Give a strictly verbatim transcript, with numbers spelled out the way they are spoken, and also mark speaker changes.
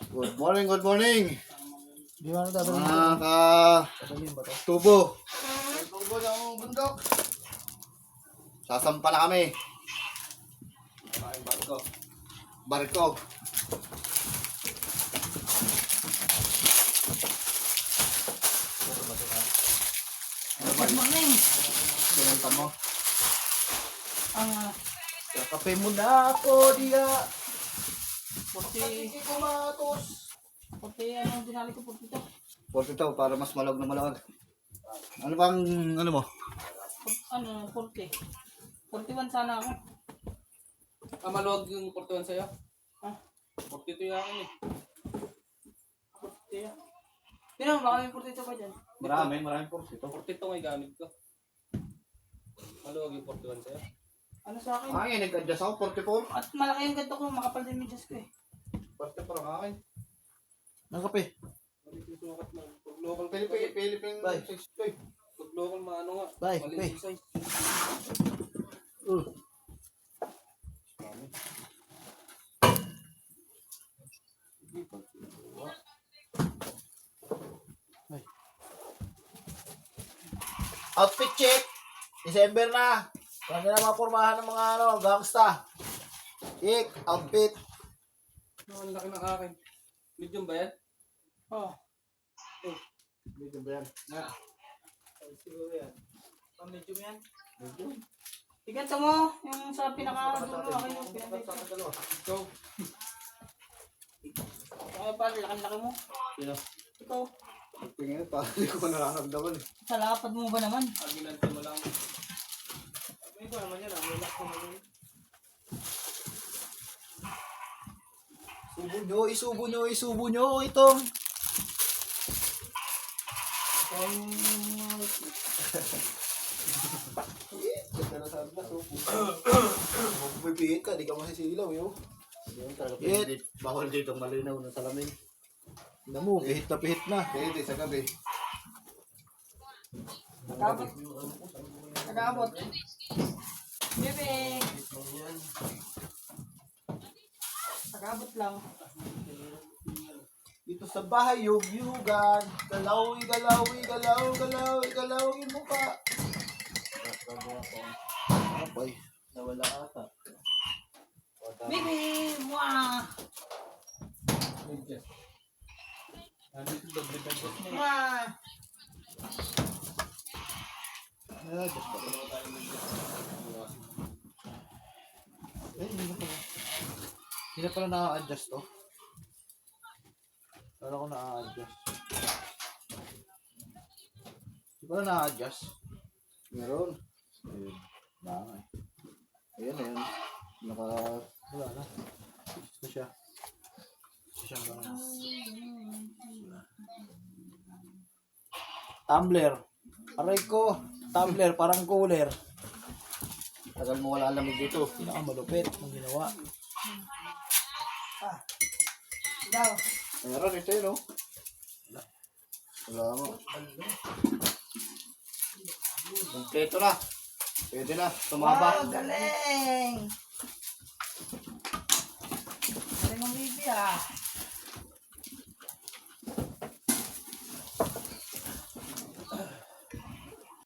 Speaker 1: Good morning, good morning.
Speaker 2: Di ba dadalhin
Speaker 1: Mga
Speaker 2: ba?
Speaker 1: ka
Speaker 2: Dadalhin ba to?
Speaker 1: tubo. May tubo ng bundok. Sasampa na kami. Maraming barko. Barko.
Speaker 3: Good morning.
Speaker 1: Sinunta mo.
Speaker 3: Ang uh,
Speaker 2: Kape mo na ako, diya.
Speaker 3: puti,
Speaker 1: Hindi ko matos.
Speaker 3: puti, ano, dinali ko puti to.
Speaker 1: Porto to, para mas malawag na malawag. Ano bang, ano mo?
Speaker 3: Put- Ano, puti. forty-one sana ako.
Speaker 4: Ah, maluwag yung forty-one sa'yo?
Speaker 3: Ah,
Speaker 4: forty-two yung akin eh.
Speaker 3: puti. Pero baka may puti pa dyan.
Speaker 1: Marami, maraming porto ito.
Speaker 4: forty-two nga yung gamit ko. Maluwag yung forty-one sa'yo?
Speaker 3: Ano sa akin?
Speaker 1: Ay, nag-adjust ako, forty-four.
Speaker 3: At malaki yung ganito ko, makapal din yung medyas ko eh.
Speaker 1: forty-four ang akin.
Speaker 2: Ng kape.
Speaker 4: Mali yung sukat mo. Pag local ka
Speaker 1: Philippine, Philippine,
Speaker 2: Bye.
Speaker 1: sixty-five.
Speaker 4: Pag local maano nga.
Speaker 2: Bye,
Speaker 4: Mali
Speaker 2: bye.
Speaker 4: yung size.
Speaker 2: Uh. Ay. Outfit check! December na! Kami na mapurmahan ng mga ano, gangsta. Ik, outfit.
Speaker 4: Oh, ang laki ng akin. Medium ba yan?
Speaker 3: Oh,
Speaker 2: Medyo ba yan?
Speaker 4: Na.
Speaker 2: Siguro yan. Oh, medyo yan.
Speaker 1: Medyo.
Speaker 3: iganto mo, yung sa pinaka-dulo, akin yung pinaka-dulo.
Speaker 4: Ikaw.
Speaker 3: Kaya pa, laki-laki mo.
Speaker 1: Sino?
Speaker 3: Ikaw,
Speaker 1: Tingin, parang hindi ko nararamdaman eh.
Speaker 3: sa lapad mo ba naman?
Speaker 4: Ang ginanto mo lang. May ko naman yan ah. May lock ko naman.
Speaker 2: Subo nyo, isubo nyo, isubo nyo itong. Ganda na sabi na, subo. Kung pipihit ka, di ka masisilaw yun.
Speaker 1: Hindi talaga
Speaker 2: It.
Speaker 1: pwede. Bawal dito malinaw na salamin.
Speaker 2: Tignan mo, pihit na pihit na.
Speaker 1: Pwede sa gabi.
Speaker 3: Nag-abot. Nag-abot. Bebe. Nag-abot lang.
Speaker 2: Dito sa bahay, yugyugan. Galaw, igalaw, igalaw, galaw, igalaw, yung mukha. Apay, nawala ata.
Speaker 3: Bebe. Mwah.
Speaker 4: Medyas. Nandito doble medyas mo.
Speaker 3: Mwah.
Speaker 2: Ah, Diyos ko. Eh, hindi na pala. Hindi na pala na-adjust to. Wala ko na-adjust. Hindi pala na-adjust.
Speaker 1: Meron.
Speaker 2: Ayun. Baka eh.
Speaker 1: Ayan, ayan. Naka...
Speaker 2: Wala na. Ito siya. Ito siya ba? Tumbler. Aray ko. Tumbler, parang cooler.
Speaker 1: Tagal mo wala lamig dito.
Speaker 2: Pinakamalupit ng ginawa.
Speaker 3: Daw.
Speaker 1: Meron ito yun, no? Wala mo. Kompleto na. Pwede na. Tumaba.
Speaker 3: Wow, galing! Galing ang baby ah.